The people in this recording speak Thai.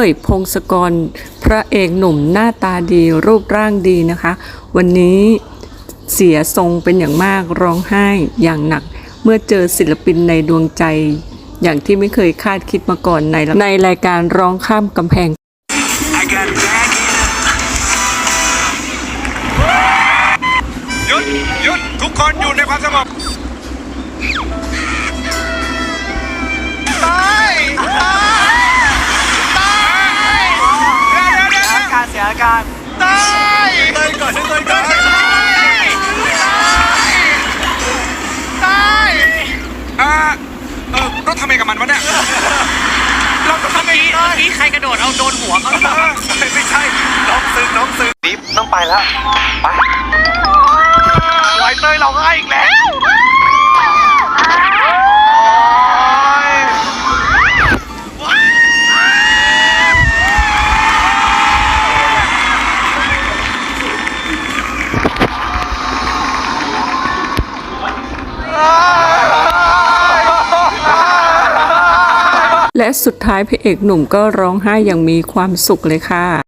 ยพงศกรพระเอกหนุ่มหน้าตาดีรูปร่างดีนะคะวันนี้เสียทรงเป็นอย่างมากร้องไห้อย่างหนักเมื่อเจอศิลปินในดวงใจอย่างที่ไม่เคยคาดคิดมาก่อนในรายการร้องข้ามกำแพงหยุดทุกคนอยู่ในความสงบตายเสียอาการตายเลยก่อนตายต้องทำไงกับมันวะเนี่ยเราต้องทำไงนี่ใครกระโดดเอาโดนหัวเขาไม่ใช่น้องซึ้งนี่ต้องไปแล้วไปไวเตยเราง่ายอีกแล้วและสุดท้ายพระเอกหนุ่มก็ร้องไห้อย่างมีความสุขเลยค่ะ